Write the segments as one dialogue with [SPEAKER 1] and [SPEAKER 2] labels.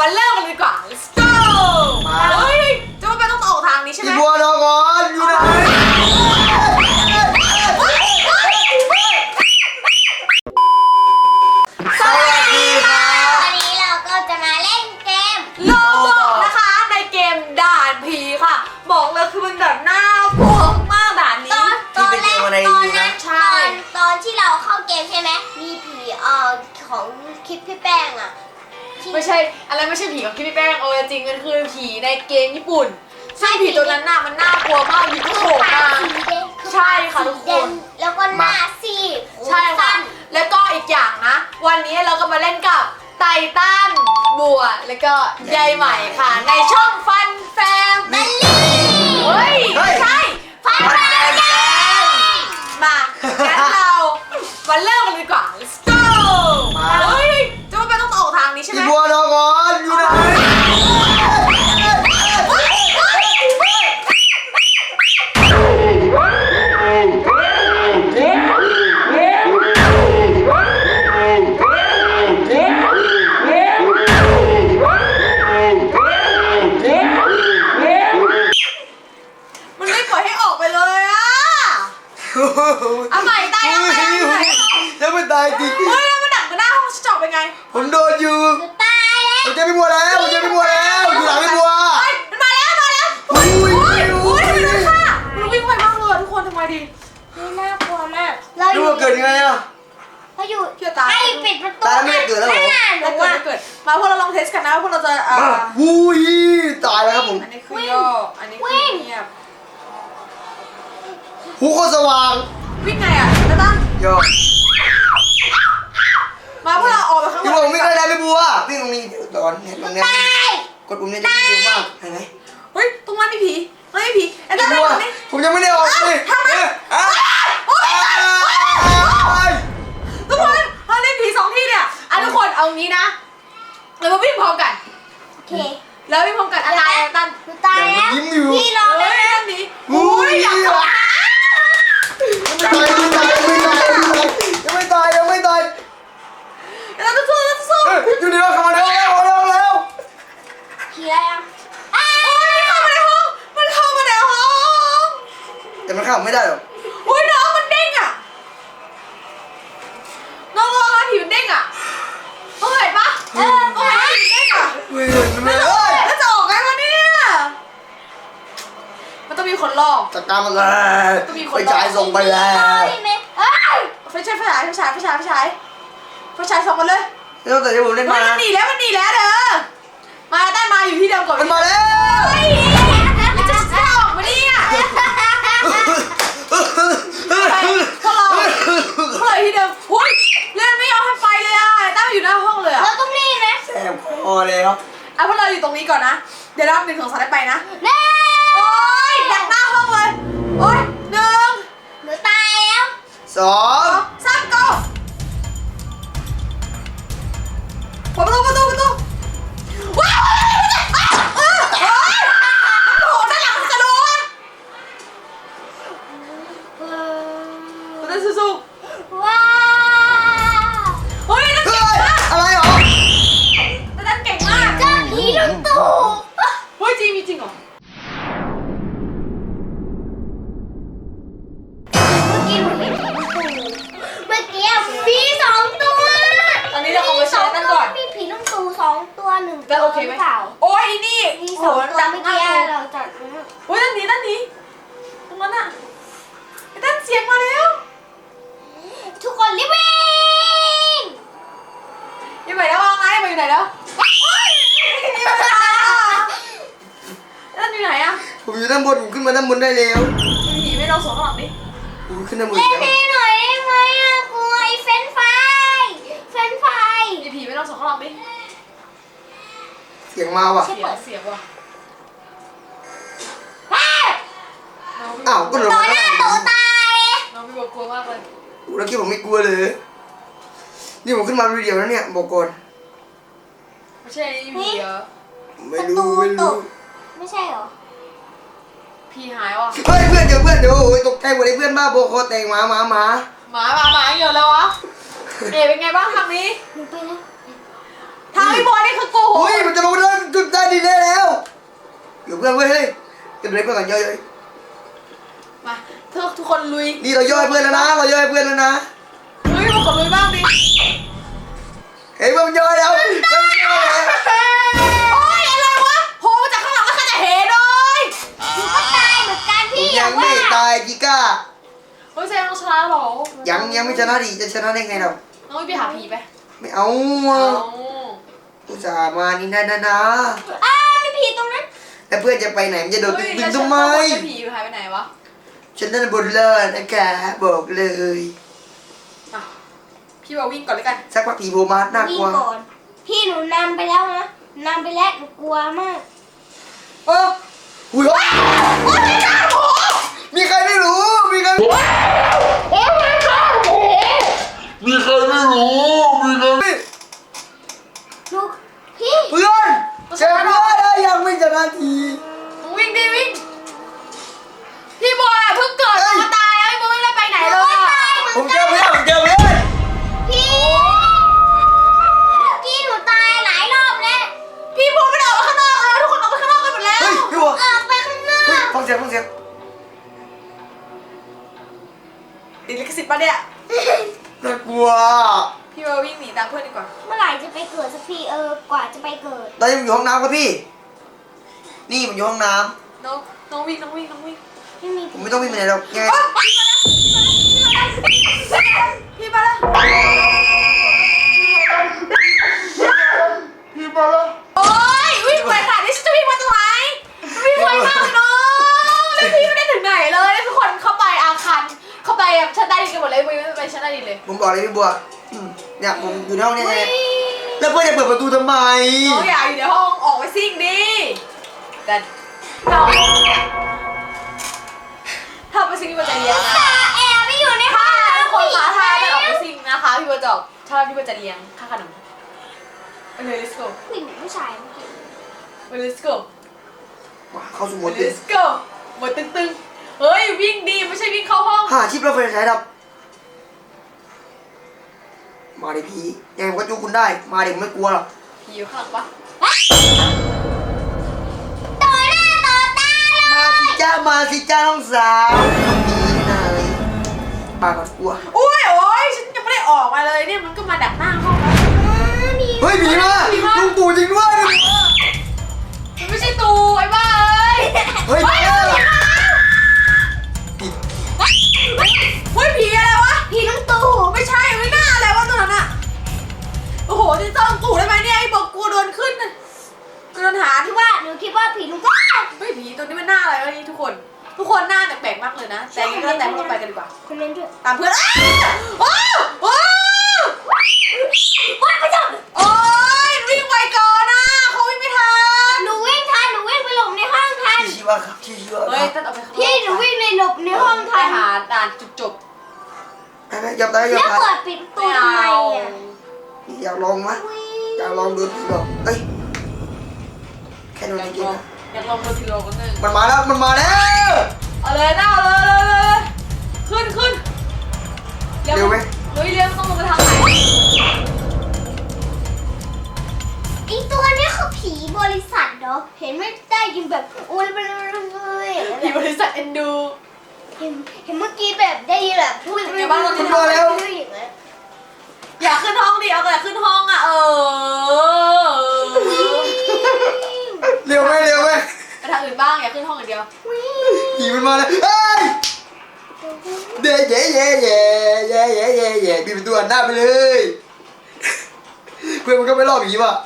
[SPEAKER 1] มาเริ่มกันดีกว่า let's go เฮ้ยจะไม่ต้องออกทางนี้ใช่ไหม
[SPEAKER 2] พี่บัวรอก่อนอยู่ไหน
[SPEAKER 1] สวัสดีค่ะ
[SPEAKER 3] วันนี้เราก็จะมาเล่นเกม
[SPEAKER 1] โลบอกนะคะในเกมด่านผีค่ะบอกเลยคือมันแบบน่ากลัวมากด่านนี้
[SPEAKER 3] ตอนแรกตอนที่เราเข้าเกมใช่ไหมมีผีของคลิปพี่แป้งอ่ะ
[SPEAKER 1] ไม่ใช่อะไรไม่ใช่ผีของพี่แป้งเอาจริงมันคือผีในเกมญี่ปุ่นซึ่งผีตัวนั้นน่ะมันน่ากลัวมากอยู่ก็โผล่มาใช่ค่ะทุกคน
[SPEAKER 3] แล้วก็หน้าซีด
[SPEAKER 1] ใช่ค่ะแล้วก็อีกอย่างนะวันนี้เราก็มาเล่นกับไททันบัวแล้วก็ยายใหม่ค่ะในช่องฟันแฟมิลี่เฮ้ยไม่ใช่
[SPEAKER 3] ฟันแฟมิลี่
[SPEAKER 1] มางั้นเรามาเริ่มกันดีกว่า let's go เฮ้ยจะไม่ต้องออกทางนี้ใช่ไหม
[SPEAKER 2] พี่บัวรอก่อนอยู่ไหน
[SPEAKER 1] มันไม่ปล่อยให้ออกไปเลยอะเอาใหม่ตายเอาใหม่
[SPEAKER 2] ยังไม่ตายจริง
[SPEAKER 1] เฮ้ยแล้วมันดักมาหน้าห้องจะออกไปไง
[SPEAKER 2] ผมโดนอยู่
[SPEAKER 3] ตายแล้ว
[SPEAKER 2] ผมเจอพี่บัวแล้วผมเจอพี่บัวแล้วอยู่หลังพี่บัว
[SPEAKER 1] มันมาแล้วอุ้ยทำไมด้วยค่ะมันวิ่งไปมากเลยทุกคนทำไมดี
[SPEAKER 3] น่ากลัวมาก
[SPEAKER 2] พี่บัวเกิดยังไงอะ
[SPEAKER 3] เราอยู่ให้ปิดประตู
[SPEAKER 2] ตายไม่เกิดแล้วเหรอ
[SPEAKER 1] ไม่เกิดมาพวกเราลองเทสกันนะว่าพวกเราจะ
[SPEAKER 2] วุ้ยตายแล้วครับผม
[SPEAKER 1] อันนี้คือย่ออันนี้คือเงียบ
[SPEAKER 2] หูโคตรสว่าง
[SPEAKER 1] วิ่งไงอ่ะจะตั้ง
[SPEAKER 2] ย่อ
[SPEAKER 1] มาพวกเราออกไปข้างนอก
[SPEAKER 2] พี่บัววิ่งได้พี่บัววิ่งตรงนี้ตอนเห็นตรงนี้กดปุ่มนี้จะวิ่งเร็วมากเห็นไหม
[SPEAKER 1] เฮ้ยตรงนั้นมีผีไม่มีผีไอ้ตั้งตรงนี้
[SPEAKER 2] ผมยังไม่ได้ออกเลย
[SPEAKER 1] ทำไมทุกคนเขาได้ผี2ที่เนี่ยทุกคนเอางี้นะเรามาวิ่งพร้อมกัน
[SPEAKER 3] โอเค
[SPEAKER 1] แล้ววิ่งพร้อมกันอะไรตั้ง
[SPEAKER 3] ตายแล้วพี่รอเลย
[SPEAKER 1] ตั้งนี้อุ้ยอยากตาย
[SPEAKER 2] ยังไม่ตาย
[SPEAKER 1] แล้วสู้
[SPEAKER 2] อยู่ดีว่าเข้ามาแล้ว
[SPEAKER 3] ผีอะไรอ่ะ
[SPEAKER 1] มันเข้ามาในห้อง
[SPEAKER 2] แต่มันเข้าไม่ได้หรอก
[SPEAKER 1] อุ้ยน้องมันเด้งอ่ะน้องผีมันเด้งอ่ะเห็นปะผีเด้งอ่ะแล้วจะออกไงวะเนี่ยมันต้องมีคนลอก
[SPEAKER 2] จัดการมันเลยไปจ่ายส่งไปแล้ว
[SPEAKER 1] ไฟฉายส่งมาเลย
[SPEAKER 2] แล้วแต่ที่ผมเล่นมา
[SPEAKER 1] มันหนีแล้วเด้อมาได้มาอยู่ที่เดิมก่อน
[SPEAKER 2] มันมาแล้ว
[SPEAKER 1] มันจะออกมาเนี่ยพวกเราที่เดิมอุ้ยเล่นไม่ยอมให้ไปเลยอ่ะตั้งอยู่หน้าห้องเลยอ่ะ
[SPEAKER 3] เราต้องรีบนะ
[SPEAKER 2] แสบคอเลยครับ
[SPEAKER 1] พวกเราอยู่ตรงนี้ก่อนนะเดี๋ยวนับ1 2 3ได้ไปนะโอ๊ยดักหน้าห้องเลยโอ๊ย1
[SPEAKER 3] หนูตายแล้ว
[SPEAKER 2] 2
[SPEAKER 1] 3 goประตูว้าวโอ้โหด้านหลังกระโดดมันจะสู้
[SPEAKER 3] ว้าว
[SPEAKER 1] เฮ้ยนั่นเก่งมาก
[SPEAKER 2] อะไรหรอ
[SPEAKER 1] นั่นเก่งมาก
[SPEAKER 3] เจ้าผีลุงตู่
[SPEAKER 1] เฮ้ยจริงเหรอ
[SPEAKER 3] เมื่อกี้ผี2 ตัว
[SPEAKER 1] ตอนนี้เราเอาไปใช้นั่นก่อน
[SPEAKER 3] มีผีลุงตู่2 ตัว1
[SPEAKER 1] แล้วโอเคไหมโอ้ยนี่
[SPEAKER 3] มี2 ตัวเมื่อกี้เราจัด
[SPEAKER 1] โอ้ยนั่นนี้ตรงนั้นอ่ะไอ้ตั้นเสียงมาแล้ว
[SPEAKER 3] ทุกคนรีบวิ่ง
[SPEAKER 1] ยังไงแล้วว่าไงมาอยู่ไหนแล้วนั่นอยู่ไหนอ่ะ
[SPEAKER 2] ผมอยู่ด้านบนผมขึ้นมาด้านบนได้แล้ว
[SPEAKER 1] ผีไม่เราสองข้างหลังดิ
[SPEAKER 2] ผมขึ้นด้านบน
[SPEAKER 3] เล่นให้หน่อยได้ไหมอะกลัวไอ้เฟรนช์ฟราย
[SPEAKER 1] มีผีไม่เราสองข้างหลังดิ
[SPEAKER 2] เสียงมาว่ะ
[SPEAKER 1] เสียงว่ะ
[SPEAKER 2] อ้าวก็หลง
[SPEAKER 3] ตัวหน้าตัวตาย
[SPEAKER 1] น้องพี่บอกกลัวมากเลย
[SPEAKER 2] แล้วคิดผมไม่กลัวเลยนี่ผมขึ้นมาวิดีโอแล้วเนี่ยบอกก่อน
[SPEAKER 1] ไม่ใช่ผีเหรอ
[SPEAKER 2] ไม่รู้
[SPEAKER 3] ไม่ใช่เหรอ
[SPEAKER 1] ผีหายว่ะ
[SPEAKER 2] เฮ้ยเพื่อนเจอเพื่อนเดี๋ยวโอ้ยตกใจหมดเลยเพื่อนบ้าโบคอแตงหมา
[SPEAKER 1] เยอะแล้ววะเป็นไงบ้างทางนี้
[SPEAKER 3] หนูไปแล้ว
[SPEAKER 1] ทางพี่บอยนี่คือโกหก
[SPEAKER 2] เฮ้ยมันจะลงเพื่อนเว้ยเฮ้ยกันเลยเพื่อนกันย่อย
[SPEAKER 1] มาทุกคนลุย
[SPEAKER 2] นี่เราย่อยเพื่อนแล้วนะเราย่อยเพื่อนแล้วนะ
[SPEAKER 1] เฮ้ยมาขอลุยบ้างดิ
[SPEAKER 2] เฮ้ยมันย่อยแล้วมันย่อยแล้ว
[SPEAKER 1] โอ้ยอะไรวะโผล่มาจากข้างหลังแล้วใครจะเห็นเลย
[SPEAKER 3] หนูก็ตายเหมือนกัน
[SPEAKER 2] ผม
[SPEAKER 3] พี่
[SPEAKER 2] ยังไม่ตายจิก้า
[SPEAKER 1] เฮ้ยแซงต้องชนะหรอ
[SPEAKER 2] ยังไม่ชนะดิจะชนะได้ไงเรา
[SPEAKER 1] น้องไปหาผีไป
[SPEAKER 2] ไม่เอา
[SPEAKER 1] เอา
[SPEAKER 2] อุตส่าห์มานี่นะ
[SPEAKER 3] อ้าวมีผีตรงนั้น
[SPEAKER 2] แล้วเพื่อนจะไปไหนมันจะโดดตึ้งตึ้งทำไม
[SPEAKER 1] แล้วผีหายไปไหนวะ
[SPEAKER 2] ฉันนั่นบนเลิศนะคะบอกเลย
[SPEAKER 1] อ่ะพี่ว่าวิ่งก่อนเลยกัน
[SPEAKER 2] สักพักผีโผล่มาน่าก
[SPEAKER 3] วิ่
[SPEAKER 2] ลั
[SPEAKER 3] ง
[SPEAKER 2] ว
[SPEAKER 3] ก่อนพี่หนูนำไปแล้วนะนำไปแล้วหนูกลัวมาก
[SPEAKER 2] เอออุ้ยมีใครไม่รู้มีใคร
[SPEAKER 4] มีใครไม่รู้มีใครไม่
[SPEAKER 3] ลูกพี่
[SPEAKER 2] เพื่อนเจ็บเพื่อนแล้วยังไม่ชนะที
[SPEAKER 1] วิ่งดิวิ่งพี่บอยเพิ่งเกิดมาตายแล้วพี่บอยไม่ได้ไปไหนเลยอะ
[SPEAKER 2] ผมเจอเพื่อนผมเจอเพื่อน
[SPEAKER 3] พี่พี่หนูตายหลายรอบแล้ว
[SPEAKER 1] พี่บอยไม่ได้ออกมาข้างนอกแล้วทุกคนออกไปข้างนอกกันหมดแล้ว
[SPEAKER 2] เฮ้ยพี่บัว
[SPEAKER 3] ออกไปข้างนอ
[SPEAKER 2] เฮ้ย
[SPEAKER 3] ก
[SPEAKER 2] ฟังเสียงฟังเสียง
[SPEAKER 1] ติดลิขสิทธิ์ปะเนี่ย
[SPEAKER 2] น่ากลัว
[SPEAKER 1] พี่บอยวิ่งหนีตามเพื่อนดีกว่า
[SPEAKER 3] เมื่อไหร่จะไปเกิดสักทีกว่าจะไปเกิด
[SPEAKER 2] ตอนนี้ผมอยู่ห้องน้ำครับพี่ นี่ผมอยู่ห้องน้
[SPEAKER 1] น้องวิ่ง
[SPEAKER 3] ไม่มี
[SPEAKER 2] ำผมไม่ต้องวิ่งไปไหนหรอกยังไง
[SPEAKER 1] พี่มาแล้ว
[SPEAKER 4] พี่มาแล้ว
[SPEAKER 1] โอ้ยวิ่งไวขนาดนี้ฉันจะวิ่งมาตรงไหนวิ่งไวมากเลยน้องแล้วพี่ไม่ได้ถึงไหนเลยทุกคนเข้าไปอาคารเข้าไปแบบชั้นใต้ดินกันหมดเลยวิ่งไปชั้นใต้ดินเลย
[SPEAKER 2] ผมบอกเลยพี่บัวเนี่ยผมอยู่ในห้องเนี่ยไงแล้วเพื่อนจะเปิดประตูทำไม
[SPEAKER 1] น้องอย่าอยู่ในห้องออกไปซิ่งดิกันถ้าไปซิ่งพี่บอยจะเลี้ยงนะ
[SPEAKER 3] แอบไปอยู่ในห้อง
[SPEAKER 1] ถ้าคนขาทายไปออกไปซิ่งนะคะพี่บอยจะออกถ้าพี่บอยจะเลี้ยงค่าขนมไปเลย let's go
[SPEAKER 3] ผู้หญิงผู้ชายเมื่อกี้
[SPEAKER 1] ไป let's go
[SPEAKER 2] ว้าเข้าสู่โหม
[SPEAKER 1] ไป
[SPEAKER 2] ดตึง
[SPEAKER 1] let's go หมดตึงๆเฮ้ยวิ่งดีไม่ใช่วิ่งเข้าห้อง
[SPEAKER 2] หาชิปเราไฟฉายดับ มาดิพี่ยังไงผมก็จูคุณได้ มาดิผมไม่กลัวหรอก
[SPEAKER 1] ผีอยู่ข้างหลังปะ
[SPEAKER 3] ต่อหน้าต่อตาเลย
[SPEAKER 2] มาสิจ้าน้องสาวผีไหนปากก็กลัว
[SPEAKER 1] โอ้ยฉันยังไม่ได้ออกมาเลยเนี่ยมันก็มาดักหน้าห้องแล้ว
[SPEAKER 2] เฮ้ยผีมาลุงปู่จริงด้วย
[SPEAKER 1] มันไม่ใช่ตูไอ้บ้าเอ้ย
[SPEAKER 2] เฮ้ย
[SPEAKER 1] เฮ้ยเฮ้ยผีอะไรวะ
[SPEAKER 3] ผีลุงตู่
[SPEAKER 1] ไม่ใช่ไม่น่าอะไรวะตัวนั้นอะโอ้โหจะต้องตู่ได้ไหมเนี่ยไอ้บอกกลัวโดนขึ้นน่ะกลัวโดนหา
[SPEAKER 3] คิดว่าหนูคิดว่าผีลุงตู่
[SPEAKER 1] เฮ้ยผีตัวนี้มันหน้าอะไรวะนี่ทุกคนหน้าแปลกๆมากเลยนะแต่ยังไงก็แล้วแต่พวกเราไปกันดีกว่า
[SPEAKER 3] คนนั้นด้วย
[SPEAKER 1] ตามเพื่อนอ้าวว้าว
[SPEAKER 3] ว้าไปจับ
[SPEAKER 1] โอ้ยวิ่งไวก่อนนะเขาวิ่งไม่ทัน
[SPEAKER 3] หนูวิ่งทันหนูวิ่งไปหลบในห้องทัน
[SPEAKER 2] ชีวะครับชีวะค
[SPEAKER 1] เฮ้ย
[SPEAKER 2] รับ
[SPEAKER 1] ตัดออกไปข้างนอก
[SPEAKER 3] พี่หนูวิ่งในหลบในห้อง
[SPEAKER 1] ไป
[SPEAKER 3] ทัน
[SPEAKER 1] หาด่านจุดจบ
[SPEAKER 2] ไปยอมตายยอ
[SPEAKER 3] แล้
[SPEAKER 2] ม
[SPEAKER 3] ว
[SPEAKER 2] ตาย
[SPEAKER 3] เปิดปิดประตูทำไมอ่ะ
[SPEAKER 2] อยากลองไหมอยากลองดูผีหรอกเอ้ยแค่โดน
[SPEAKER 1] อยาก
[SPEAKER 2] จริ
[SPEAKER 1] ล
[SPEAKER 2] ง
[SPEAKER 1] องอยากลองโดนทีโลกันหนึ่ง
[SPEAKER 2] มันมาแล้วมันมาแล้ว
[SPEAKER 1] เอาเลยนะเอาเลยขึ้นเลี้ยวต้องลงไปทางไหน
[SPEAKER 3] ไอตัวนี้คือผีบริษัทเนาะเห็นไม่ได้ยินแบบโอ้ยมันเลย
[SPEAKER 1] ผีบริษัทเอ็นดู
[SPEAKER 3] เห็นเมื่อกี้แบบได้ยินแบบพูดอย่างนี้
[SPEAKER 1] อยากขึ้นห้องดิเอาแต่ขึ้นห้องอ่ะ
[SPEAKER 2] เร็วไหม
[SPEAKER 1] ไปทางอื่นบ้างอย่าขึ้นห้องอย่างเดียว
[SPEAKER 2] ผีมันมาแล้วเฮ้ยเย่ปิดประตูหันหน้าไปเลยเพื่อนมันก็ไม่รอดผีว่ะ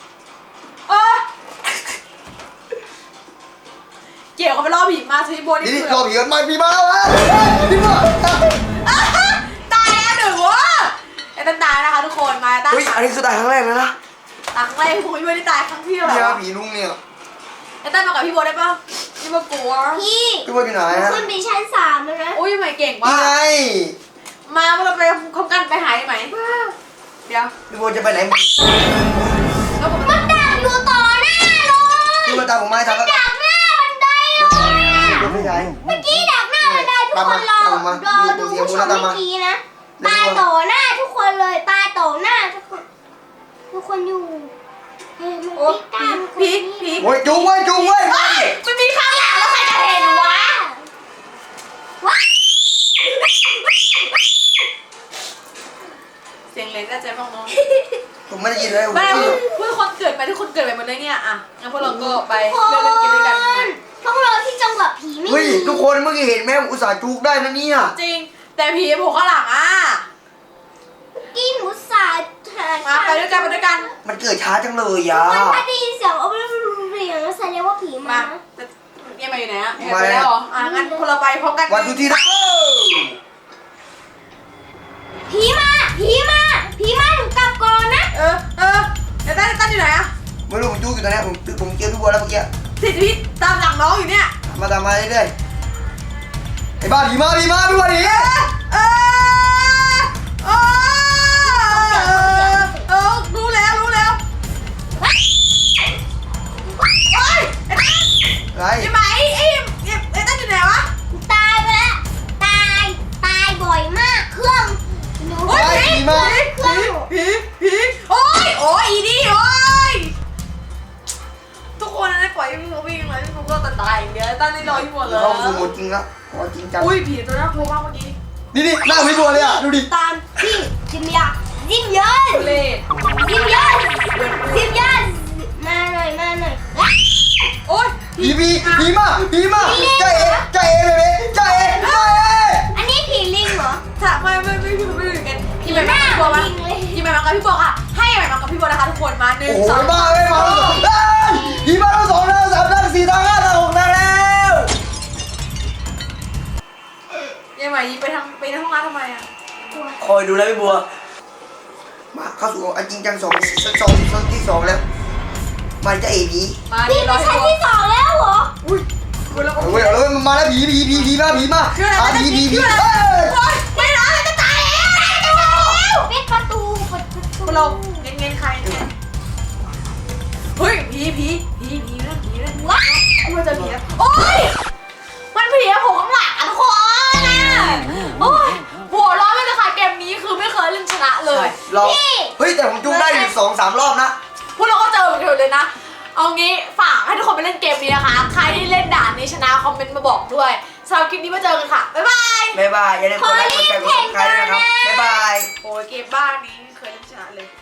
[SPEAKER 1] เกี่ยวกับไปล่อผีมาซีโบนี่
[SPEAKER 2] นี่
[SPEAKER 1] คือ
[SPEAKER 2] รอผีกันมาผีมาแล้วพี่ว่า
[SPEAKER 1] ตายแล้วหนึ่งวะไอ้ตั้นตายนะคะทุกคนมาตั้ง
[SPEAKER 2] เฮ้ยอันนี้คือตายครั้งแรกเลยนะ
[SPEAKER 1] ตังไรคุยไม่ได้ตายครั้งที่เท่าไหร่
[SPEAKER 2] เนี่ย
[SPEAKER 1] วะ
[SPEAKER 2] ผีลุงเนี่ย
[SPEAKER 1] ไอ้ตั้นมากับพี่โบได้ปะพี่โบกลัว
[SPEAKER 3] พี่
[SPEAKER 2] พี่ว่าอยู่ไหนฮะ
[SPEAKER 3] ขึ้นไปชั้น3แล้วนะ
[SPEAKER 1] อุ้ยไม่เก่ง
[SPEAKER 2] นี่
[SPEAKER 1] ว่ะ
[SPEAKER 2] ไง
[SPEAKER 1] มาเราไปคบกันไปหายไหมเดี๋ยว
[SPEAKER 2] พี่ว่าจะไปไหน
[SPEAKER 1] แล้วผม
[SPEAKER 3] มันดักอยู่ต่อหน้าเลย
[SPEAKER 2] พี่ว่าตามผมมาให้ทันแล้ว
[SPEAKER 3] ดักหน้าบันไดเลยอะ
[SPEAKER 2] ไม่ใช่
[SPEAKER 3] เมื่อกี้ดักหน้าบันไดทุกคนรอดูผู้ชมเมื่อกี้นะตายต่อหน้าทุกคนเลยตายต่อหน้าทุกคนอยู่เฮ้ยมัน
[SPEAKER 1] โอ้
[SPEAKER 3] พิการ
[SPEAKER 1] ผี
[SPEAKER 2] โอ้ยจุ๊บเว้ย
[SPEAKER 1] เฮ้ยกิดอะไรมาเลยเนี่ยอ่ะงั้นพวกเราก็ไปเล่นเกมด้วยกัน
[SPEAKER 3] พวกเราที่จังหวัดผีไม่
[SPEAKER 2] เฮ้ย
[SPEAKER 3] มี
[SPEAKER 2] ทุกคนเมื่อกี้เห็นแม่อุตส่าห์จุกได้นะเนี่ย
[SPEAKER 1] จริงแต่ผีโผล่ข้างหลังอ่ะ
[SPEAKER 3] กินหมูสาแทน
[SPEAKER 1] มาไปด้วยกันไปด้วยกัน
[SPEAKER 2] มันเกิดช้าจังเลยอ่ะ
[SPEAKER 3] มันถ้าได้ยินเสียงเอาไปเรียงแสดงว่าผี
[SPEAKER 1] มา
[SPEAKER 3] มา
[SPEAKER 1] เนี่ยมาอยู่ไหนอ่ะไปแล้วเหรออ่ะงั้นพวกเราไปพร้อมกัน
[SPEAKER 2] วันทุกทีนะ
[SPEAKER 3] ผีมาหนูกลับก่อนนะ
[SPEAKER 1] เดี๋ยวตั้นอยู่ไหนอ่ะ
[SPEAKER 2] ไม่รู้ผมจุกอยู่ตอนนี้ผมเจอพี่บัวแล้วเมื่อกี้
[SPEAKER 1] สิทธิพิษตามหลังน้องอยู่เนี่ย
[SPEAKER 2] มาตามมาเรื่อยๆไอ้บ้าผีมาพี่บัวหนี
[SPEAKER 1] รู้แล้วเฮ้ย
[SPEAKER 2] อะไร
[SPEAKER 1] ไอ้ไหมไอ้ตั้นอยู่ไหนวะ
[SPEAKER 3] ตายไปแล้วตายบ่อยมากเครื่องหนู
[SPEAKER 1] โอ้ยผีโอ้ยอีนี่โอ้ยทุกคนได้ปล่อยให้พี่เขาวิ่งเลยพี่เขาก็ตายอย่างเดียวตั้นได้รออยู่หมดเลย
[SPEAKER 2] เข้าสู่โหมดจริงแล้วขอจริงจัง
[SPEAKER 1] อุ้ยผีตัวน่ากลัวมากเมื่อกี้
[SPEAKER 2] นี่หน้าพี่บัวเลยอ่ะดูดิ
[SPEAKER 3] ตามพี่จิมยาจิมยา
[SPEAKER 1] เล่
[SPEAKER 3] มาหน่อย
[SPEAKER 1] โอ้ย
[SPEAKER 2] ผีมาใจเอ๋ใจเอ๋
[SPEAKER 3] อันนี้ผีลิงเหรอ
[SPEAKER 1] ถ้าไม่อยู่กันพี่ใหม่มากับพี่บัวมาพี่ใหม่มากับพี่บัวค่ะให้ใหม่มากับพี่บัวนะคะทุกคนมา1
[SPEAKER 2] โอ้โห
[SPEAKER 1] 2
[SPEAKER 2] บ้าไม่มาแล้วผีมาแล้ว2แล้ว3แล้ว4แล้ว5แล้ว6แล้ว
[SPEAKER 1] ยังไงไปในห้องน้ำทำไมอ่ะ
[SPEAKER 2] คอยดูแลพี่บัวมาเข้าสู่อันจริงจัง2ที่2แล้วมันจะเอ๋ผี
[SPEAKER 1] มา
[SPEAKER 3] พี่
[SPEAKER 1] รอ
[SPEAKER 3] ไม่
[SPEAKER 1] ให้
[SPEAKER 3] ใช่
[SPEAKER 1] บัว
[SPEAKER 3] ที่2แล้วเหรอ
[SPEAKER 1] อุ้ยคุณแล้วก็
[SPEAKER 2] เฮ้ยเลยมาแล้วผีมา
[SPEAKER 1] คืออะไร
[SPEAKER 2] ผี
[SPEAKER 1] โอ้ยไม่ร้อนเลยจะตายแล้ว
[SPEAKER 3] ปิดประตู
[SPEAKER 1] คุณเราเงี้ยใครเนี่ยเฮ้ยผีนั่นว้ามันจะผีโอ้ยมันผีอะผมข้างหลังทุกคนโอ้ยหัวร้อนไม่เลยค่ะเกมนี้คือไม่เคยเล่นชนะเลย
[SPEAKER 2] รอเฮ้ยแต่ผมจุกได้อยู่2-3รอบนะ
[SPEAKER 1] พวกเราก็เจอเหมือนกันเลยนะเอางี้ฝากให้ทุกคนไปเล่นเกมนี้นะคะใครที่เล่นด่านนี้ชนะคอมเมนต์มาบอกด้วยสำหรับคลิปนี้มาเจอกันค่ะบ๊ายบาย
[SPEAKER 2] อย่าลืมกดไลค์กดแชร์กดซับสไครต์ด้วยนะครับบ๊ายบาย
[SPEAKER 1] โอ้ยเกมบ้านนี้ไม่เคยเล่นชนะเลย